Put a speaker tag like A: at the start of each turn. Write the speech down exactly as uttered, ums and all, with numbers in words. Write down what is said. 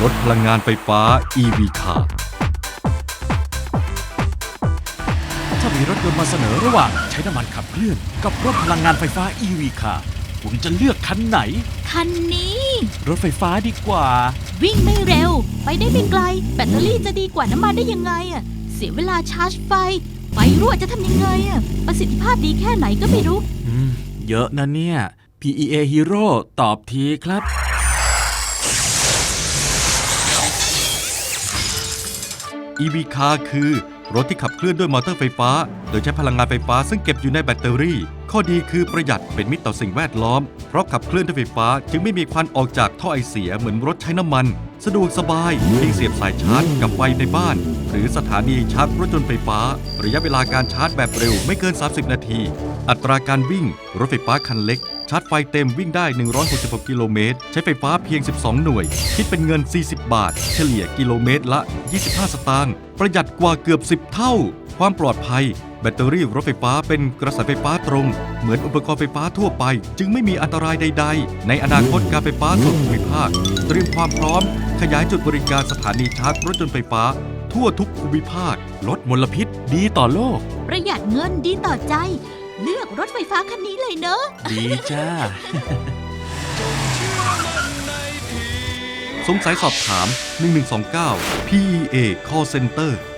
A: รถพลังงานไฟฟ้า อี วี Car
B: ถ้ามีรถยนต์มาเสนอระหว่างใช้น้ำมันขับเคลื่อนกับรถพลังงานไฟฟ้า อี วี Car คุณจะเลือกคันไหน
C: คันนี้
B: รถไฟฟ้าดีกว่า
C: วิ่งไม่เร็ว ไปได้ไม่ไกล แบตเตอรี่จะดีกว่าน้ำมันได้ยังไงอะเสียเวลาชาร์จไฟ ไฟรั่วจะทำยังไงอะประสิทธิภาพดีแค่ไหนก็ไม่รู้
B: อืม เยอะนะเนี่ย พี อี เอ Hero ตอบทีครับ
A: อี วี Car คือรถที่ขับเคลื่อนด้วยมอเตอร์ไฟฟ้า โดยใช้พลังงานไฟฟ้าซึ่งเก็บอยู่ในแบตเตอรี่ ข้อดีคือประหยัดเป็นมิตรต่อสิ่งแวดล้อม เพราะขับเคลื่อนด้วยไฟฟ้าจึงไม่มีควันออกจากท่อไอเสียเหมือนรถใช้น้ำมัน สะดวกสบายเพียงเสียบสายชาร์จกับไฟในบ้าน หรือสถานีชาร์จรถยนต์ไฟฟ้า ระยะเวลาการชาร์จแบบเร็วไม่เกิน สามสิบ นาที อัตราการวิ่ง รถไฟฟ้าคันเล็ก ชาร์จไฟเต็มวิ่งได้ หนึ่งร้อยหกสิบหก กิโลเมตร ใช้ไฟฟ้าเพียง สิบสอง หน่วย คิดเป็นเงิน สี่สิบ บาท เฉลี่ยกิโลเมตรละ ยี่สิบห้า สตางค์ ประหยัดกว่าเกือบ สิบ เท่า ความปลอดภัย แบตเตอรี่รถไฟฟ้าเป็นกระแสไฟฟ้าตรง เหมือนอุปกรณ์ไฟฟ้าทั่วไป จึงไม่มีอันตรายใดๆ ในอนาคตการไฟฟ้าส่วนภูมิภาค เตรียมความพร้อม ขยายจุดบริการสถานีชาร์จรถยนต์ไฟฟ้า ทั่วทุกภูมิภาค
B: ลดมลพิษดีต่อโลก
C: ประหยัดเงินดีต่อใจ เลือกรถไฟฟ้าคันนี้เลยเนอะ
B: ดีจ้า
A: สงสัยสอบถาม หนึ่งหนึ่งสองเก้า พี อี เอ Call Center